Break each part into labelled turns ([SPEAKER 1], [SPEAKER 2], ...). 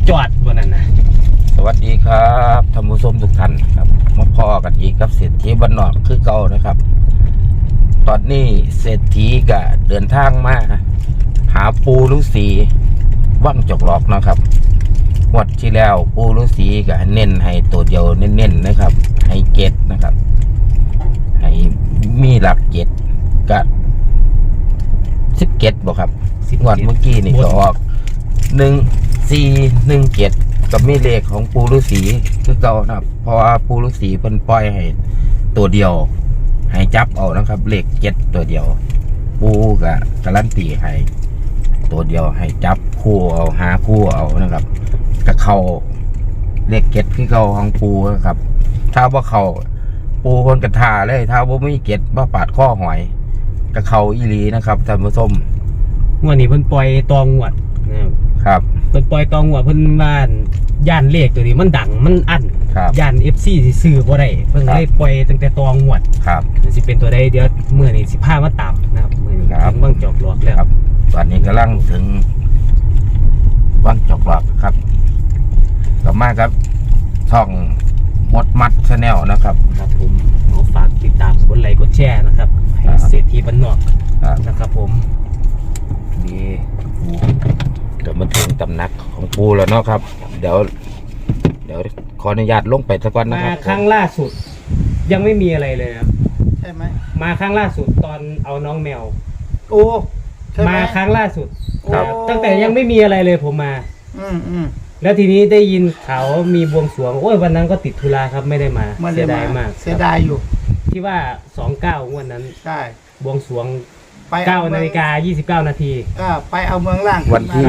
[SPEAKER 1] จอดบนนั้นนะ
[SPEAKER 2] สวัสดีครับท่านผู้ชมทุกท่านครับมาพอกันอีกกับเศรษฐีบ้านนอกคือเก่านะครับตอนนี้เศรษฐีก็เดินทางมาหาปูฤาษีว่างจอกหลอกนะครับงวดที่แล้วปูฤาษีก็เน้นให้ตัวเดียวเน้นๆนะครับให้เจ็ดนะครับให้มีหลักเจ็ดกับ17บอกครับงวดเมื่อกี้นี่ก็ออก1417กับมีเลขของปูฤาษีคือเก่านะครับเพราะว่าปูฤาษีเพิ่นปล่อยให้ตัวเดียวให้จับเอานะครับเลขเจ็ดตัวเดียวปูก็การันตีให้ตัวเดียวให้จับคู่เอาหาคู่เอานะครับกับเขาเลขเจ็ดคือเก่าของปูนะครับถ้าว่าเขาปูคนกระทาเลยถ้าว่าไม่เจ็ดว่าปาดข้อหอยกับเขาอีหลีนะครับท่านผู้ชม
[SPEAKER 1] งวดนี้เพิ่นปล่อยตองวด
[SPEAKER 2] ครับ
[SPEAKER 1] เพิ่นปล่อยตองวดเพิ่นบ้านย่านเลขตัวนี้มันดังมันอั้นย่าน FC สิซื้อบ่ได้เพิ่นเลยปล่อยตั้งแต่ตองวด
[SPEAKER 2] ครับ
[SPEAKER 1] สิเป็นตัวใดเดี๋ยวมื้อนี้สิพามาตามนะครับมื้อนี้ถึงวังจอกหลอกแล้ว
[SPEAKER 2] ครับตอนนี้กำลังถึงวังจอกหลอกครับกลับมาครับช่องมดมัดชาแนลนะครับ
[SPEAKER 1] ครับผมขอฝากติดตามกดไลค์กดแชร์นะครับให้เศรษฐีบ้านนอกนะครับผม
[SPEAKER 2] นี่เดี๋ยวมาถึงตำหนักของปูแล้วเนาะครับเดี๋ยวขออนุญาตลงไปสักวันนะครับ
[SPEAKER 1] มาครั้งล่าสุดยังไม่มีอะไรเลยครับ
[SPEAKER 3] ใช่ไหม
[SPEAKER 1] มาครั้งล่าสุดตอนเอาน้องแมว
[SPEAKER 3] โอ้
[SPEAKER 1] มาครั้งล่าสุดตั้งแต่ยังไม่มีอะไรเลยผมมาแล้วทีนี้ได้ยินข่าวมีบวงสรวงโอ้ยวันนั้นก็ติดธุระครับไม่ได้มาเสียดายมาก
[SPEAKER 3] เสียดายอยู่
[SPEAKER 1] ที่ว่า29วันนั้น
[SPEAKER 3] ใช่
[SPEAKER 1] บวงสรวง9:29 นาที
[SPEAKER 3] ไปเอาเมืองล่าง
[SPEAKER 2] วันที่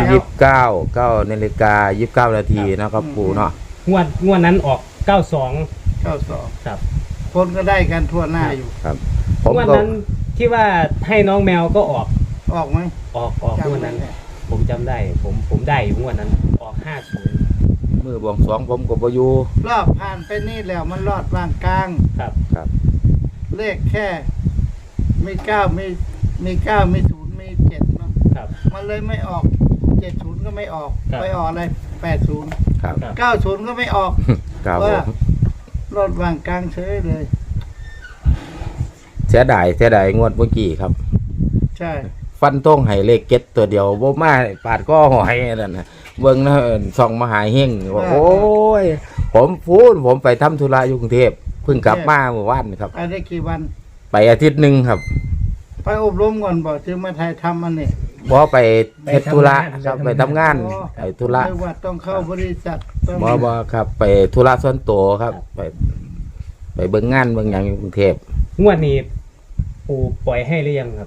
[SPEAKER 2] 9:29 นาทีนะครับปูเนาะ
[SPEAKER 1] งวดนั้นออก92ครับ
[SPEAKER 3] คนก็ได้กันทั่วหน้าอยู่
[SPEAKER 2] ครับ
[SPEAKER 1] งวดนั้นที่ว่าให้น้องแมวก็ออก
[SPEAKER 3] ไหม
[SPEAKER 1] ออกงวดนั้นผมจำได้ผมได้อยู่งวดนั้นออก50
[SPEAKER 2] มือบวงสรวงผมก็บ่อยู่
[SPEAKER 3] รอบผ่านไปนี่แล้วมันรอดวางกลาง
[SPEAKER 2] ครับ
[SPEAKER 3] เลขแค่มี9มี0มี7เนาะมันเลยไม่ออก70ก็ไม่ออกไปออกอะไร80
[SPEAKER 2] ครับ
[SPEAKER 3] 90ก็ไม่ออกว่ารอดวางกลางเฉยเลย
[SPEAKER 2] เสียดายงวดเมื่อกี้ครับ
[SPEAKER 3] ใช่
[SPEAKER 2] ฟันต้องให้เลขเก็ตตัวเดียวบ่มาปาดก็หอยนั่นนะเบิ่งนะส่องมหาเฮงว่าโอ้ยผมไปทำธุระอยู่กรุงเทพเพิ่งกลับมาเมื่อวานครับ
[SPEAKER 3] ไปได้กี่วัน
[SPEAKER 2] ไปอาทิตย์นึงครับ
[SPEAKER 3] ไปอบรมก่อนบ่จึงมาถ่ายทำอันนี้
[SPEAKER 2] บ่ไปเฮ็ดธุระครับไปทำงานไปธุระ
[SPEAKER 3] ไม่ว่าต้องเข้าบริษัท
[SPEAKER 2] บ่ครับไปธุระส่วนตัวครับไปเบิ่งงานเบิ่งหยังอยู่กรุงเทพ
[SPEAKER 1] งวดนี้ปู่ปล่อยให้หรือยังครับ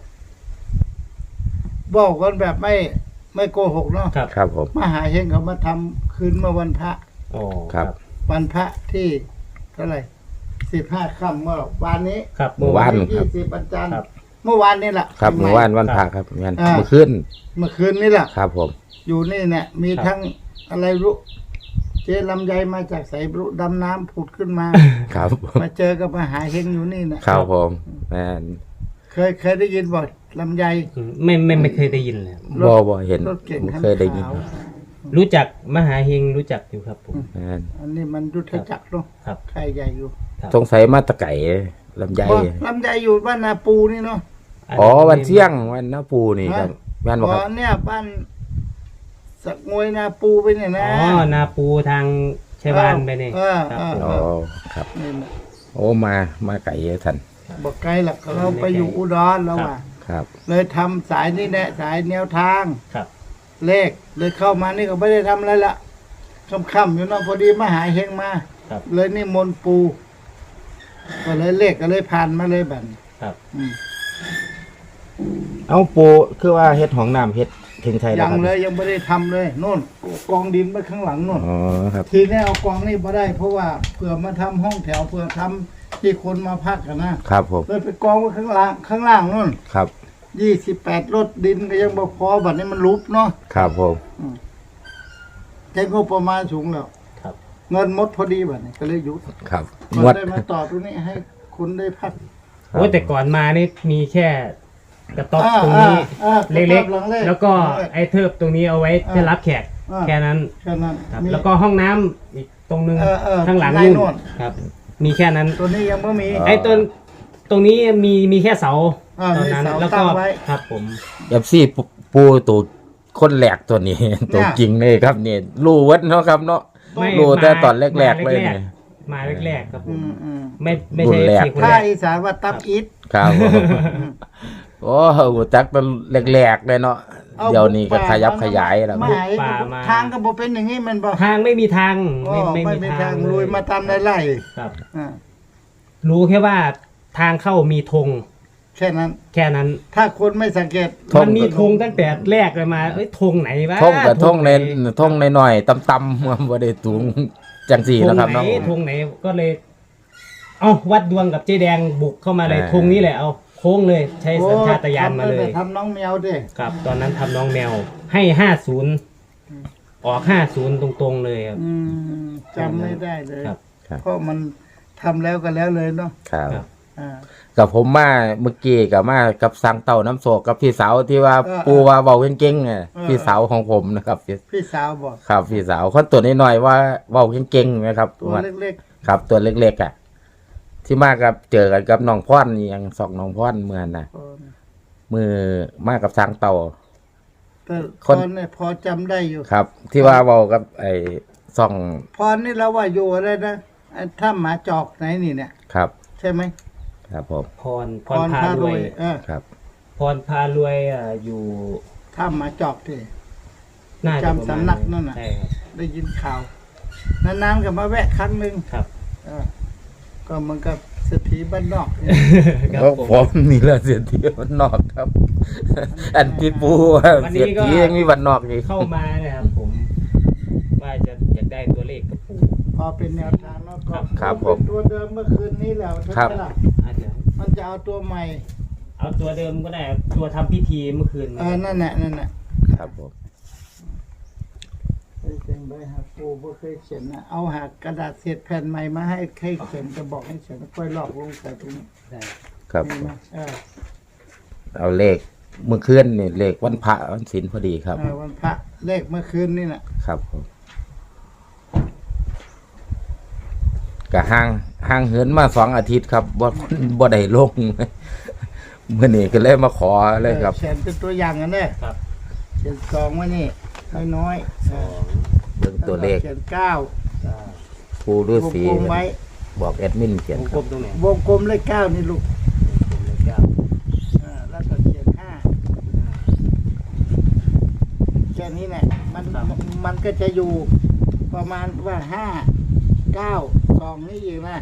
[SPEAKER 3] บอกกันแบบไม่โกหกเนาะ
[SPEAKER 2] ครับผม
[SPEAKER 3] มหาเฮงเขามาทำคืนเมื่อวันพระ
[SPEAKER 2] ครับ
[SPEAKER 3] วันพระที่เท่าไหร่15 ค่ำเมื่อวานนี้
[SPEAKER 1] ครับ
[SPEAKER 2] เมื่อวาน
[SPEAKER 3] 20วันจันทร์เมื่อวานนี่แหละ
[SPEAKER 2] ครับเมื่อวานวันพระครับเมื่อคืน
[SPEAKER 3] นี่แหละ
[SPEAKER 2] ครับผม
[SPEAKER 3] อยู่นี่เนี่ยมีทั้งอะไรรู้เจลำไยมาจากไสบรุดำน้ำผุดขึ้นมา
[SPEAKER 2] ครับ
[SPEAKER 3] มาเจอกับมหาเฮงอยู่นี่
[SPEAKER 2] นะครับผมแม่น
[SPEAKER 3] เคยได้ยินบ่ลำไย
[SPEAKER 1] ไม่เคยได้ยินเลย
[SPEAKER 2] บ่เห็นเคยได้ยิน
[SPEAKER 1] รู้จักมหาเฮงรู้จักอยู่ครับผม
[SPEAKER 3] อันนี้มันยุทธจักรเนาะใครใหญ่อยู่
[SPEAKER 2] สงสัยมาตะไก่ลำไย
[SPEAKER 3] อยู่บ้านนาปูนี่เนาะ
[SPEAKER 2] วันเที่ยงวันนาปูนี่ครับแม่นบ่ครับ
[SPEAKER 3] เนี่ยบ้านสักงวยนาปูไปเนี่ยนะ
[SPEAKER 1] นาปูทางชัยวานไปนี่
[SPEAKER 2] ครับโอ้มาไก่ท่าน
[SPEAKER 3] บอกไกลหรอกเราไปอยู่อุดรแล้ว
[SPEAKER 2] ครับ
[SPEAKER 3] เลยทำสายนี่แหละสายแนวทางเลขเลยเข้ามานี่ก็ไม่ได้ทำอะไรละค่ำๆอยู่เนาะพอดีมาหาเฮงมาเลยนี่มนปูก็เลยเลขก็เลยผ่านมาเลยบัด
[SPEAKER 2] เอาปูคือว่าเฮ็ดของน้ำเฮ็ดถึงไทย
[SPEAKER 3] ยังเลยยังไม่ได้ทำเลยโน่นกองดินไปข้างหลังโน่นทีนี้เอากองนี่มาได้เพราะว่าเผื่อมาทำห้องแถวเผื่อทำที่คนมาพักกัน
[SPEAKER 2] นะครับผม
[SPEAKER 3] เลยไปกองไว้ข้างล่างโน่น
[SPEAKER 2] ครับ
[SPEAKER 3] 28รถดินก็ยังบ่พอบัดนี้มันลุบเนาะ
[SPEAKER 2] ครับผม
[SPEAKER 3] ใช้งบประมาณสูงแล้วเงินหมดพอดีบัดนี้ก็เลยหยุด
[SPEAKER 2] ครับ
[SPEAKER 3] ได้มาต่อตรงนี้ให้คุณได้พัก
[SPEAKER 1] โอ้แต่ก่อนมานี่มีแค่กระต๊อบตรงนี้เล็กๆแล้วก็ไอ้เทิบตรงนี้เอาไว้จะรับแขกแค่นั้น
[SPEAKER 3] แค่นั้น
[SPEAKER 1] ครับ
[SPEAKER 3] มี
[SPEAKER 1] แล้วก็ห้องน้ำอีกตรงนึง ข้างหลัง
[SPEAKER 3] ใน
[SPEAKER 1] นู่น
[SPEAKER 3] โน่น
[SPEAKER 1] ครับ มีแค่นั้น
[SPEAKER 3] ตัวนี้ยังไม่มี
[SPEAKER 1] ไอ้ต้นตรงนี้มีแค่เสา ตอนนั้น
[SPEAKER 3] มีเสา
[SPEAKER 1] แล้ว
[SPEAKER 3] ตั้
[SPEAKER 1] ก็
[SPEAKER 3] งไว้
[SPEAKER 1] ครับผม
[SPEAKER 2] เอฟซีปูตัวคนแหลกตัวนี้ ตัวจริงเลยครับเนี่ยรู้วัดเนาะครับเนาะ
[SPEAKER 1] ไม่
[SPEAKER 2] รู้แต่
[SPEAKER 1] มา
[SPEAKER 2] ตอนแรกๆเลย
[SPEAKER 1] มา
[SPEAKER 2] เนี่ย
[SPEAKER 1] มาแรกๆครับผ
[SPEAKER 3] อื
[SPEAKER 1] ม
[SPEAKER 3] มอืม
[SPEAKER 1] ไม่ใช่
[SPEAKER 2] รุ่นแรก
[SPEAKER 1] สี่คน
[SPEAKER 3] ถ้า
[SPEAKER 1] แรก
[SPEAKER 3] อีสานว่าตับอิฐ
[SPEAKER 2] ครับผมโอ้โหจักตอนแรกๆเลยเนาะเดี๋ยวนี้ก็ขยับขยายแล้ว
[SPEAKER 3] ไม่
[SPEAKER 1] ป่ามา
[SPEAKER 3] ทางก็บ่เป็นอย่างนี้มันบ่
[SPEAKER 1] ทางไม่มีทาง
[SPEAKER 3] ไม่มีทางลุยมาตามไร่
[SPEAKER 1] ครับ
[SPEAKER 3] อ่า
[SPEAKER 1] รู้แค่ว่าทางเข้ามีธง
[SPEAKER 3] แค่นั้น
[SPEAKER 1] แค่นั้น
[SPEAKER 3] ถ้าคนไม่สังเกต
[SPEAKER 1] มันมีธงตั้งแต่แรกเลยมาเอ้ยธงไหนวะ
[SPEAKER 2] ท่งกับท่งใน
[SPEAKER 1] ไห
[SPEAKER 2] ท่งในหน่อยๆต่ำๆบ่ได้สูงจังสี่
[SPEAKER 1] ธง
[SPEAKER 2] นะครับ
[SPEAKER 1] ไหน
[SPEAKER 2] เนาะ
[SPEAKER 1] ธงไหนก็เลย เอาวัดดวงกับเจ๊แดงบุกเข้ามาเลย
[SPEAKER 2] อ่า
[SPEAKER 1] ธงนี้แหละเอาโค้งเลยใช้สัญชาตญาณมาเลย
[SPEAKER 3] ทำน้องแมวดิ
[SPEAKER 1] ครับ ตอนนั้นทำน้องแมวให้50ออก50ตรงๆเลยครับ
[SPEAKER 3] อืมจำไม่ได้เลย
[SPEAKER 1] ครับ
[SPEAKER 2] ครับ
[SPEAKER 3] เพราะมันทำแล้วก็แล้วเลยเนาะ
[SPEAKER 2] ครับ
[SPEAKER 1] ครับ
[SPEAKER 3] อ่า
[SPEAKER 2] กับผมมาเมื่อกี้กับมากับสังเต่าน้ำโศกกับพี่สาวที่ว่า
[SPEAKER 3] เออ
[SPEAKER 2] ปูว่าเบาเก่งๆไง
[SPEAKER 3] เออ
[SPEAKER 2] พี่สาวของผมนะครับ
[SPEAKER 3] พี่สาวบอก
[SPEAKER 2] ครับพี่สาวคนตัวน้อยๆว่าเบาเก่งๆนะครับ
[SPEAKER 3] ตัวเล็ก
[SPEAKER 2] ครับตัวเล็กๆอ่ะที่มากับเจอกันกับน้องพ่อนนี่ยังสองน้องพ่อนเมื่อนน่ะ
[SPEAKER 3] ๆ
[SPEAKER 2] มือมากับสังเต่า
[SPEAKER 3] แต่
[SPEAKER 2] ค
[SPEAKER 3] พ
[SPEAKER 2] น
[SPEAKER 3] รเนี่ยพอจำได้อยู่
[SPEAKER 2] ครับ ที่ว่าเบากับไอ้สอง
[SPEAKER 3] พรนี่เราว่าอยู่อะไรนะไอ้ถ้ำหมาจอกไหนนี่เนี่ย
[SPEAKER 2] ครับ
[SPEAKER 3] ใช่ไหม
[SPEAKER 2] ครับผม
[SPEAKER 1] พรพารวย
[SPEAKER 2] ครับ
[SPEAKER 1] พรพารวยอยู่
[SPEAKER 3] ถ้ำหมาจอกที่
[SPEAKER 1] น่าจะ
[SPEAKER 3] จำสำนักนั่นน่ะ
[SPEAKER 1] ใช่ครับ
[SPEAKER 3] ได้ยินข่าว นานๆก็มาแวะครั้งหนึ่ง
[SPEAKER 1] ครับ
[SPEAKER 3] เออก็เหมันกับเศรษฐีบ้านนอกเนี่ย
[SPEAKER 1] ครับ
[SPEAKER 2] เพราะ
[SPEAKER 1] ผม
[SPEAKER 2] ผมนี่แหละเสียทีวันนอกครับ อันที่ปูว่า
[SPEAKER 1] วันนี้
[SPEAKER 2] เสีย
[SPEAKER 1] ก็
[SPEAKER 2] ทียังมีวันนอกอีก
[SPEAKER 1] เข้ามาเนี่ยครับผมว่าจะอยากได้ตัวเลขกับปู่
[SPEAKER 3] พอเป็นแนวทางแล้วก็
[SPEAKER 2] ครับผม
[SPEAKER 3] เป็นตัวเดิมเมื่อคืนนี้แล้วใช่
[SPEAKER 2] ครับ
[SPEAKER 3] ไหมล่ะ
[SPEAKER 1] อาจจะ
[SPEAKER 3] มันจะเอาตัวใหม่
[SPEAKER 1] เอาตัวเดิมก็ได้ครับตัวทำพิธีเมื่อคืน
[SPEAKER 3] นั่นแหละนั่นแหละ
[SPEAKER 2] ครับผม
[SPEAKER 3] เคยเขียนใบหักปูบ่เคยเขียนนะเอาหักกระดาษเศษแผ่นใหม่มาให้เขียนจะบอกให้เขียนแล้วค่อยลอกลงใส่ตรงนี้
[SPEAKER 1] ได้
[SPEAKER 2] ครับ
[SPEAKER 3] เห็นไหม
[SPEAKER 2] เอาเลขเมื่อคืนนี่เลขวันพระวันศีลพอดีครับ
[SPEAKER 3] วันพระเลขเมื่อคืนนี่แหละ
[SPEAKER 2] ครับผมก็ห่างเหินมา2 อาทิตย์ครับบ่ได้ลง เมื่อนี้ก็เลยมาขอเลยครับ
[SPEAKER 3] เขียนเป็นตัวอย่างกันเนี่ย
[SPEAKER 1] ครับ
[SPEAKER 3] เขียนสองไว้นี่น้อยๆ
[SPEAKER 2] เรื่องตัวเลข
[SPEAKER 3] เขียนเก้า
[SPEAKER 2] ปูฤาษี
[SPEAKER 3] วงกลมไว้
[SPEAKER 2] บอกแอดมินเขียน
[SPEAKER 1] วง
[SPEAKER 2] ค
[SPEAKER 1] กล
[SPEAKER 2] รับ
[SPEAKER 1] มตรงไหน
[SPEAKER 3] วงกลมเลขเก้านี่ลูก
[SPEAKER 1] วงกลมเลขเก้า
[SPEAKER 3] แล้วก็เขียนห้าแค่นี้แหละมันก็จะอยู่ประมาณว่าห้าเก้าสองนี่อีกนะ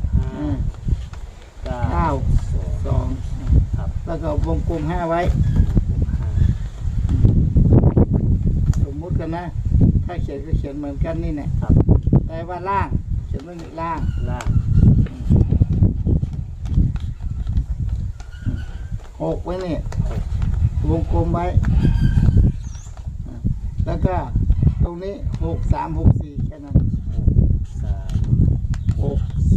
[SPEAKER 1] เก้า
[SPEAKER 3] เก้าสอง
[SPEAKER 1] ครับ
[SPEAKER 3] แล้วก็วงกลมห้าไว้ สมมุติกันนะ ถ้าเขียนก็เขียนเหมือนกันนี่แหละ
[SPEAKER 1] ครับ
[SPEAKER 3] แต่ว่าล่าง เขียนว่านี่ล่าง
[SPEAKER 1] ล่าง
[SPEAKER 3] 6ไว้นี่วงกลมไว้ แล้วก็ตรงนี้6364แค่นั้น
[SPEAKER 1] 3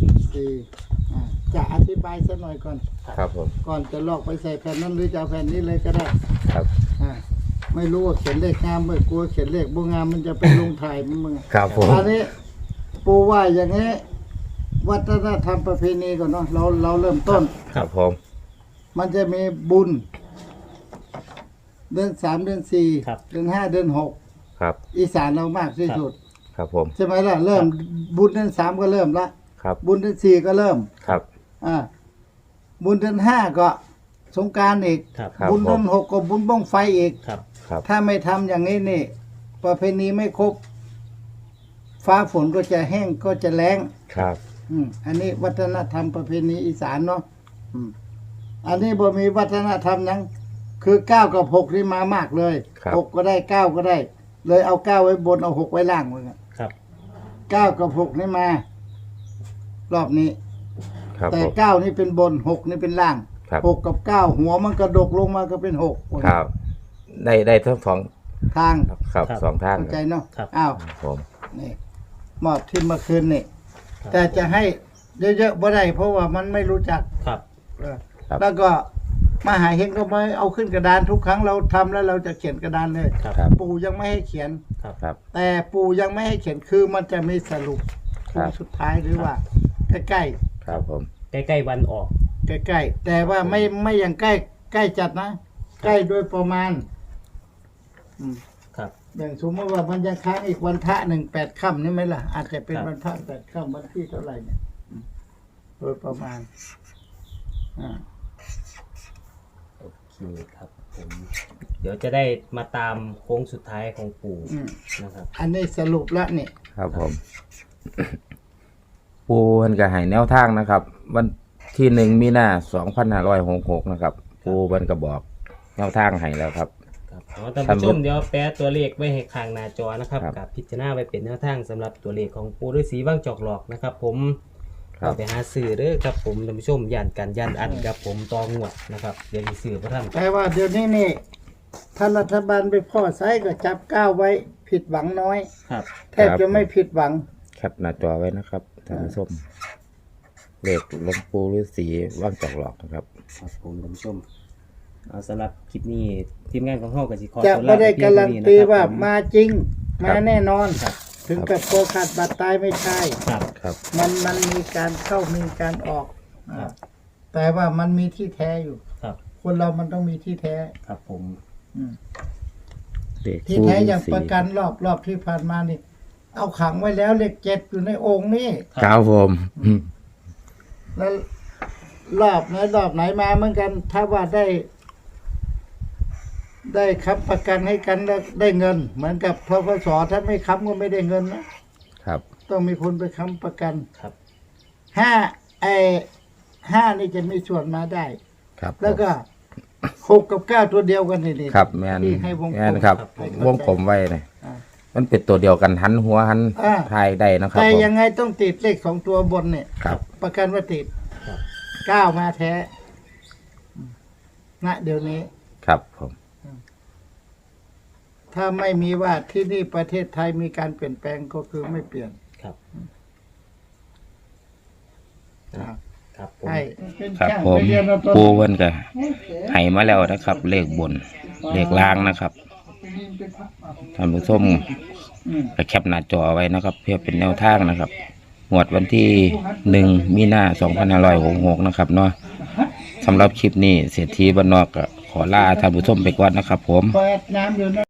[SPEAKER 3] 64จะอธิบายสักหน่อยก่อน
[SPEAKER 2] ครับผม
[SPEAKER 3] ก่อนจะลอกไปใส่แผ่นนั้นหรือจะเอาแผ่นนี้เลยก็ได้
[SPEAKER 2] ครับ
[SPEAKER 3] ไม่รู้ว่าเขียนเลขงามไม่กลัวเขียนเลขบ่งามมันจะเป็นลงถ่ายมึง
[SPEAKER 2] ครับผม
[SPEAKER 3] อันนี้ปูว่าอย่างนี้ วัฒนธรรมประเพณีก่อนเนาะเราเริ่มต้น
[SPEAKER 2] ครับผม
[SPEAKER 3] มันจะมีบุญ เดือน3เดือน
[SPEAKER 1] ครับ
[SPEAKER 3] 4เดือน5เดือน
[SPEAKER 2] ครับ
[SPEAKER 3] 6อีสานเรามากที่สุด
[SPEAKER 2] ครับผม
[SPEAKER 3] ใช่ไหมล่ะเริ่มบุญเดือน3ก็เริ่มละ
[SPEAKER 2] ครับ
[SPEAKER 3] บุญเดือน4ก็เริ่ม
[SPEAKER 2] ครับ
[SPEAKER 3] บุญเดือน5ก็สงกรานต์อีก
[SPEAKER 1] ครับ
[SPEAKER 2] ครับ
[SPEAKER 3] บุญเดือน6ก็บุญบ้องไฟอีก
[SPEAKER 1] ครับ
[SPEAKER 2] ครับ
[SPEAKER 3] ถ้าไม่ทำอย่างนี้นี่ ประเพณีไม่ครบ ฟ้าฝนก็จะแห้งก็จะแล้ง
[SPEAKER 2] ครับ
[SPEAKER 3] อันนี้วัฒนธรรมประเพณีอีสานเนาะอันนี้บ่มีวัฒนธรรมหยังคือ9กับ6นี่มามากเลย
[SPEAKER 2] ครับ
[SPEAKER 3] 6ก็ได้9ก็ได้ เลยเอา9ไว้บนเอา6ไว้ล่างเหมือนกัน
[SPEAKER 1] ครับ
[SPEAKER 3] 9กับ6นี่มา รอบนี้
[SPEAKER 2] ครับ
[SPEAKER 3] แต่
[SPEAKER 2] ผม
[SPEAKER 3] 9นี่เป็นบน6นี่เป็นล่าง
[SPEAKER 2] ครับ
[SPEAKER 3] 6กับ9หัวมันกระดกลงมาก็เป็น6
[SPEAKER 2] ครับได้ทั้งสอง
[SPEAKER 3] ทาง
[SPEAKER 2] ครับ
[SPEAKER 1] ครับ
[SPEAKER 2] สองทาง
[SPEAKER 3] เข้าใจเนาะ
[SPEAKER 1] ครับ
[SPEAKER 3] อ้าว
[SPEAKER 2] ครับผม
[SPEAKER 3] นี่มอบที่เมื่อคืนนี่
[SPEAKER 1] ครับ
[SPEAKER 3] แต่จะให้เยอะๆบ่ได้เพราะว่ามันไม่รู้จัก
[SPEAKER 1] ครับ
[SPEAKER 3] แล้วก็มหาเฮงก็ไม่เอาขึ้นกระดานทุกครั้งเราทำแล้วเราจะเขียนกระดานเลย
[SPEAKER 1] ครับ
[SPEAKER 2] ครับ
[SPEAKER 3] ปู่ยังไม่ให้เขียน
[SPEAKER 1] ครับ
[SPEAKER 2] ครับ
[SPEAKER 3] แต่ปู่ยังไม่ให้เขียนคือมันจะมีสรุป
[SPEAKER 2] ครับ
[SPEAKER 3] สุดท้ายหรือว่าใกล้
[SPEAKER 2] ครับผม
[SPEAKER 1] ใกล้ๆวันออก
[SPEAKER 3] ๆใกล้ๆแต่ว่าไม่อย่างใกล้จัดนะ ใกล้โดยประมาณ
[SPEAKER 1] ครับ
[SPEAKER 3] อย่างสมมติว่ามันยังค้างอีกวันพระ8 ค่ำนี่ไหมล่ะ อาจจะเป็น
[SPEAKER 1] ครับ
[SPEAKER 3] วันพระ8 ค่ำวันที่เท่าไหร่เนี่ยโดยประมาณอ่า
[SPEAKER 1] โอเคครับผมเดี๋ยวจะได้มาตามโค้งสุดท้ายของปู่นะครับ
[SPEAKER 3] อันนี้สรุปแล้วนี่
[SPEAKER 2] ครับผม ปูเพิ่นก็ให้แนวทางนะครับ วันที่1 มีนา 2566นะครับ ปูเพิ่นก็บอกแนวทางให้แล้วครับ
[SPEAKER 1] ครับท่านผู้ชมเดี๋ยวแปะตัวเลขไว้ให้ข้างหน้าจอนะครับ
[SPEAKER 2] ครับ
[SPEAKER 1] กับพิจารณาไว้เป็นแนวทางสำหรับตัวเลขของปู่ฤาษีว่างจอกหลอกนะครับ ผม
[SPEAKER 2] ครับ
[SPEAKER 1] ก็ไปหาซื้อเด้อครับผมท่านผู้ชมย่านกันย่านอันครับผมตองวดนะครับเดี๋ยวมีซื้อพระท่าน
[SPEAKER 3] แต่ว่าเดี๋ยวนี้นี่ถ้ารัฐบาลไปพ่อไซก็จับก้าวไว้ผิดหวังน้อย
[SPEAKER 1] ครับ
[SPEAKER 3] แทบจะไม่ผิดหวัง
[SPEAKER 2] แคปหน้าจอไว้นะครับท่านผู้ชมเลขหลวงปู่ฤาษีว่างจอกหลอกนะครับ
[SPEAKER 1] ครับผมท่านผู้ชมเอาสำหรับคลิปนี้ทีมงานของเฮาก็สิขอ
[SPEAKER 3] จะ
[SPEAKER 1] ตัว
[SPEAKER 3] ไม่
[SPEAKER 1] ลา
[SPEAKER 3] ได้
[SPEAKER 1] ปเพีย
[SPEAKER 3] กาง รั
[SPEAKER 1] เท่
[SPEAKER 3] น
[SPEAKER 1] นี้
[SPEAKER 3] ตี
[SPEAKER 1] นะครับ
[SPEAKER 3] ว่า
[SPEAKER 1] ผม
[SPEAKER 3] มาจริง
[SPEAKER 2] ครั
[SPEAKER 3] มา
[SPEAKER 2] บ
[SPEAKER 3] แน่นอน
[SPEAKER 1] ครับ
[SPEAKER 3] ถึงกับโกขาดบาดตายไม่ใช่
[SPEAKER 1] ครับ
[SPEAKER 2] ครับ
[SPEAKER 3] มันมีการเข้ามีการออก
[SPEAKER 1] ครับ
[SPEAKER 3] แต่ว่ามันมีที่แท้อยู่
[SPEAKER 1] ครับ
[SPEAKER 3] คนเรามันต้องมีที่แท้
[SPEAKER 1] ครับผม
[SPEAKER 3] อืม
[SPEAKER 2] เลข
[SPEAKER 3] ที่
[SPEAKER 2] ปู่
[SPEAKER 3] แท้
[SPEAKER 2] ฤา
[SPEAKER 3] อย่าง
[SPEAKER 2] ษี
[SPEAKER 3] ประกันรอบที่ผ่านมานี่ เอาขังไว้แล้วเลข7อยู่ในองค์นี่
[SPEAKER 2] ครับผมอืม
[SPEAKER 3] แล้วรอบไหนมาเหมือนกัน ถ้าว่าได้ค้ำประกันให้กันแล้วได้เงิน เหมือนกับทกสถ้าไม่ค้ำก็ไม่ได้เงินนะครับ ต้องมีคนไปค้ำประกัน
[SPEAKER 1] ครับ
[SPEAKER 3] ห้านี่จะมีส่วนมาได้
[SPEAKER 2] ครับ
[SPEAKER 3] แล้วก็6 กับ 9ตัวเดียวกันนี่
[SPEAKER 2] ครับแมน
[SPEAKER 3] ที่ให้วงกล
[SPEAKER 2] แม
[SPEAKER 3] ม
[SPEAKER 2] นครับ
[SPEAKER 3] ให้
[SPEAKER 2] ว
[SPEAKER 3] เข้าง ใจ
[SPEAKER 2] กลมไว้เนี่ย
[SPEAKER 3] อ่า
[SPEAKER 2] มันเป็นตัวเดียวกันหันหัวหัน
[SPEAKER 3] อ่า
[SPEAKER 2] ทายได้นะครับ
[SPEAKER 3] แต่
[SPEAKER 2] ผม
[SPEAKER 3] ยังไงต้องติดเลข2 ตัวบนเนี่ย
[SPEAKER 2] ครับ
[SPEAKER 3] ประกันว่าติด
[SPEAKER 1] ครับ
[SPEAKER 3] 9 มาแท้ณเดี๋ยวนี้
[SPEAKER 2] ครับผม
[SPEAKER 3] ถ้าไม่มีว่าที่นี่ประเทศไทยมีการเปลี่ยนแปลงก็คือไม่เปลี่ยน
[SPEAKER 1] ครับ
[SPEAKER 3] ครับ
[SPEAKER 1] ครับผม
[SPEAKER 3] ใช่
[SPEAKER 2] ครับผมปูเพิ่นก็ให้มาแล้วนะครับ เลขบนเลขล่างนะครับท่านผู้ชมก็แคปหน้าจอไว้นะครับ เพื่อเป็นแนวทางนะครับงวดวันที่1 มีนา 2566นะครับเนาะสำหรับคลิปนี้เศรษฐีบ้านนอกก็ขอลาท่านผู้ชมไปก่อนนะครับผม
[SPEAKER 3] เปิดน้ำอยู่นะ